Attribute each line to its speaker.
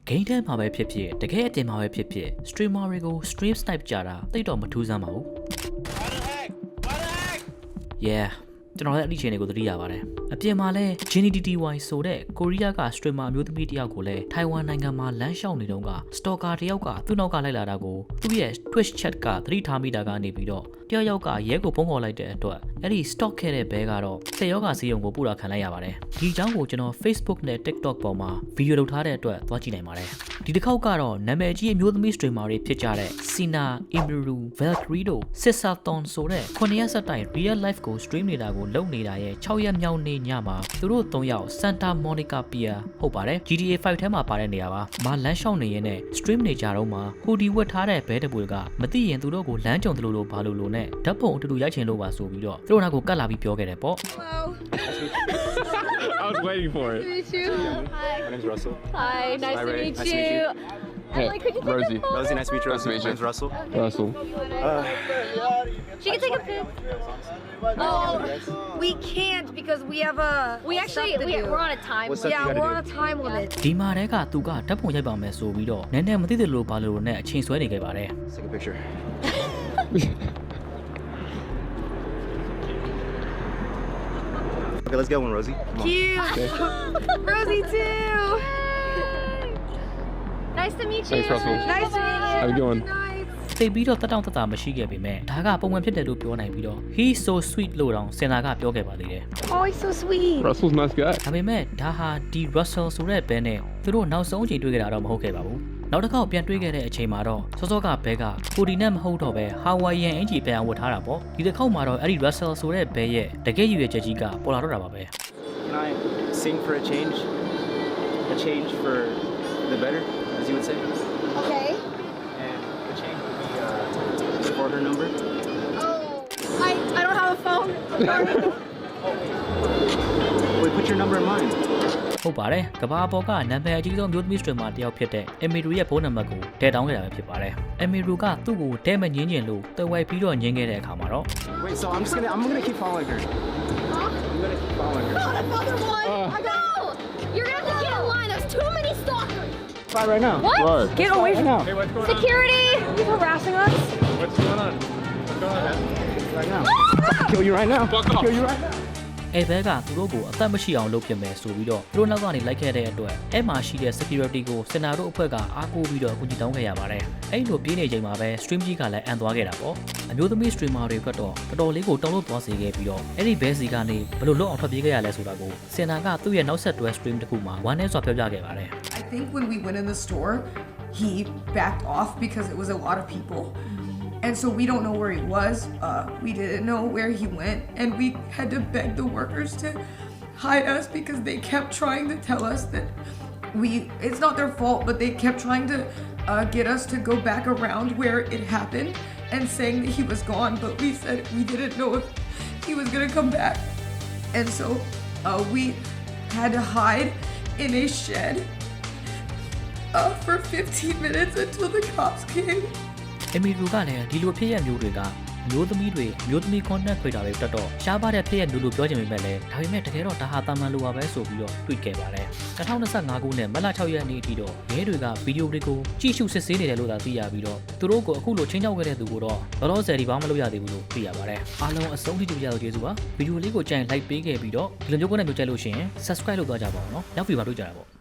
Speaker 1: game ထဲမှာပဲဖြစ်ဖြစ်တကယ်အတင်မှာပဲဖြစ်ဖြစ် streamer တွေကို stream snipe ကြတာတိတ်တော့မထူးဆန်းပါဘူး yeah ကျွန်တော်လည်းအဲ့ဒီချိန်တွေကိုသတိရပါတယ်အပြင်မှာလဲ GNTTY ဆိုတဲ့ကိုရီးယားက streamer အမျိုးသမီးတယောက်ကိုလည်းထိုင်ဝမ်နိုင်ငံမှာလမ်းလျှောက်နေတုန်းက stalker တယောက်ကသူ့နောက်ကလိုက်လာတာကိုသူ့ရဲ့ Twitch chat ကသတိထားမိတာကနေပြီးတော့တယောက်ကရဲကိုဖုန်းခေါ်လိုက်တဲ့အတွက်အဲ့ဒီ stalk ခဲ့တဲ့ဘဲကတော့ဆေးရောဂါစီးရုံကိုပို့တာခံလိုက်ရပါတယ်ဒီအကြောင်းကိုကျွန်တော် Facebook နဲ့ TikTok ပေါ်မှာဗီဒီယိုလုပ်ထားတဲ့အတွက်သွားကြည့်နိုင်ပါတယ်ဒီတစ်ခေါက်ကတော့နာမည်ကြီးအမျိုးသမီး streamer တွေဖြစ်ကြတဲ့ Sina, Imiru, Valkyrie တို့ Sisathon ဆိုတဲ့9ရက်ဆက်တိုင် real life ကို stream နေတာကိုလုပ်နေတာရဲ့6ရက်မြောက်နေ့ညမှာသူတို့3ယောက် Santa Monica Pier ဟုတ်ပါတယ် GTA 5 ထဲမှာပါတဲ့နေရာပါမလမ်းလျှောက်နေရင်နဲ့ stream နေကြတော့မှဟူဒီဝတ်ထားတဲ့ဘဲတပွေကမသိရင်သူတို့ကိုလမ်းကြုံတယ်လို့ဘာလို့နဲ့ဓာတ်ပုံအတူတူရိုက်ချင်လို့ပါဆိုပြီးတော့သူတို့နာကိုကတ်လာပြီးပြောခဲ့တယ်ပေါ့
Speaker 2: I was waiting for it.
Speaker 3: Nice to meet you. Hi.
Speaker 4: My name's Russell.
Speaker 3: Hi. Nice
Speaker 4: Hi,
Speaker 3: to
Speaker 4: Ray.
Speaker 3: meet
Speaker 4: Nice to
Speaker 3: you.
Speaker 4: meet you.
Speaker 2: Hey,
Speaker 3: Emily, could you take
Speaker 2: Rosie.
Speaker 3: a photo?
Speaker 4: Rosie, nice to meet you.
Speaker 2: Nice to meet you.
Speaker 4: My name's Russell.
Speaker 2: Russell.
Speaker 3: She can take a pic.
Speaker 5: Oh, we can't because we have a.
Speaker 3: We actually
Speaker 5: stuff to do.
Speaker 3: we're on a time.
Speaker 4: What's up?
Speaker 5: Yeah,
Speaker 4: you gotta
Speaker 5: we're on
Speaker 4: do?
Speaker 5: a time limit.
Speaker 1: ဒီမှာတည်းကသူကဓာတ်ပုံရိုက်ပါမယ်ဆိုပြီးတော့နည်းနည်းမသိတယ်လို့ဘာလို့နဲ့အချိန်ဆွဲနေခဲ့ပါတယ်
Speaker 4: Let's take a picture. Okay, let's get one, Rosie. Come on.
Speaker 5: Cute. Rosie too.
Speaker 3: Nice to meet you.
Speaker 2: Thanks, Russell.
Speaker 5: Nice to meet you.
Speaker 2: How you doing?
Speaker 5: Nice.
Speaker 1: သိပြီးတော့တက်တောင့်တက်တာမရှိခဲ့ပေမဲ့ဒါကပုံမှန်ဖြစ်တယ်လို့ပြောနိုင်ပြီးတော့ he's so sweet လို့တောင်စင်တာကပြောခဲ့ပါသေးတယ်
Speaker 5: Oh, he's so sweet.
Speaker 2: Russell's a nice guy.
Speaker 1: ဒါပေမဲ့ဒါဟာဒီ Russell ဆိုတဲ့ဘဲနဲ့သူတို့နောက်ဆုံးအချိန်တွေ့ခဲ့တာတော့မဟုတ်ခဲ့ပါဘူးနောက်တစ်ခေါက်ပြန်တွေ့ခဲ့တဲ့အချိန်မှာတော့စောစောကဘဲကကိုဒီနဲ့မဟုတ်တော့ပဲ Hawaiian အင်ဂျီပြန်ဝတ်ထားတာပေါ့ဒီတစ်ခေါက်မှာတော့အဲ့ဒီ Russell ဆိုတဲ့ဘဲရဲ့တကယ်ရည်ရွယ်ချက်ကြီးကပေါ်လာတော့တာပါပဲ
Speaker 4: Can I sing for a change? A change for the better, as you would say.
Speaker 3: Okay.
Speaker 4: And the change would be for her number.
Speaker 3: Oh, I don't have a phone.
Speaker 4: Wait, put your number in mine.
Speaker 1: ဟုတ်ပါတယ်ကဘာပေါ်ကနာမည်အကြီးဆုံးမျိုးသမီး streamer တယောက်ဖြစ်တဲ့ Emiru ရဲ့ဖုန်းနံပါတ်ကိုထည့်တောင်းခဲ့တာပဲဖြစ်ပါတယ် Emiru ကသူ့ကိုတဲမငင်းကျင်လို့တွယ်ဝိုက်ပြီးတော့ငင်းခဲ့တဲ့အခါမှာတော့
Speaker 4: Wait, so I'm gonna keep following her. I'm gonna keep following her.
Speaker 3: Not another one. No. You're gonna have to get in line. There's too many stalkers.
Speaker 4: Try right now.
Speaker 3: What?
Speaker 2: Right.
Speaker 5: Get away from
Speaker 4: now.
Speaker 2: Hey, what's going
Speaker 3: Security.
Speaker 5: He's harassing us.
Speaker 2: What's going on? What's going on, man?
Speaker 4: Right now. Kill you right now.
Speaker 2: Fuck off.
Speaker 4: Kill you right now.
Speaker 1: အဲ့ဘဲကသူတို့ကိုအသက်မရှိအောင်လုပ်ပြမယ်ဆိုပြီးတော့သူတို့နောက်ကနေလိုက်ခဲ့တဲ့အတွက်အဲ့မှာရှိတဲ့ security ကိုစင်တာတို့အဖွဲ့ကအားကိုးပြီးတော့အကူကြီးတောင်းခဲ့ရပါတယ်အဲ့လိုပြေးနေချိန်မှာပဲ stream ကြီးကလည်းအန်သွားခဲ့တာပေါ့အမျိုးသမီး streamer တွေကတော့တော်တော်လေးကိုတောင်းလို့သွားစေခဲ့ပြီးတော့အဲ့ဒီဘဲစီကနေဘယ်လိုလုပ်အောင်ထွက်ပြေးခဲ့ရလဲဆိုတာကိုစင်တာကသူ့ရဲ့နောက်ဆက်တွဲ stream တစ်ခုမှာဝမ်းနဲ့စွာပြောပြခဲ့ပါတယ်
Speaker 6: I think when we went in the store, he backed off because it was a lot of people. And so we don't know where he was. We didn't know where he went. And we had to beg the workers to hide us because they kept trying to tell us that it's not their fault, but they kept trying to get us to go back around where it happened and saying that he was gone. But we said we didn't know if he was gonna come back. And so we had to hide in a shed for 15 minutes until the cops came.
Speaker 1: အမီရူကလည်းဒီလိုဖြစ်ရမျိုးတွေကအမျိုးသမီးတွေအမျိုးသမီး content creator တွေတက်တော့ရှားပါတဲ့ဖြစ်ရမျိုးလို့ပြောချင်ပေမဲ့လည်းဒါပေမဲ့တကယ်တော့ဒါဟာတာမန်လိုပါပဲဆိုပြီးတော့တွေ့ခဲ့ပါတယ်2025ခုနှစ်မတ်လ6ရက်နေ့အထိတော့ရဲတွေကဗီဒီယိုတွေကိုကြည့်ရှုစစ်ဆေးနေတယ်လို့သာသိရပြီးတော့သူတို့ကိုအခုလိုချင်းချောက်ခဲ့တဲ့သူကိုတော့လောလောဆယ်ဒီဘာမှမလုပ်ရသေးဘူးလို့သိရပါတယ်အားလုံးအဆုံးထိကြည့်ကြလို့ကျေးဇူးပါဗီဒီယိုလေးကိုကြိုင် like ပေးခဲ့ပြီးတော့ဒီလိုမျိုး content မျိုးကြိုက်လို့ရှိရင် subscribe လုပ်သွားကြပါဦးနော်နောက်ဗီဒီယိုမှာတွေ့ကြတာပေါ့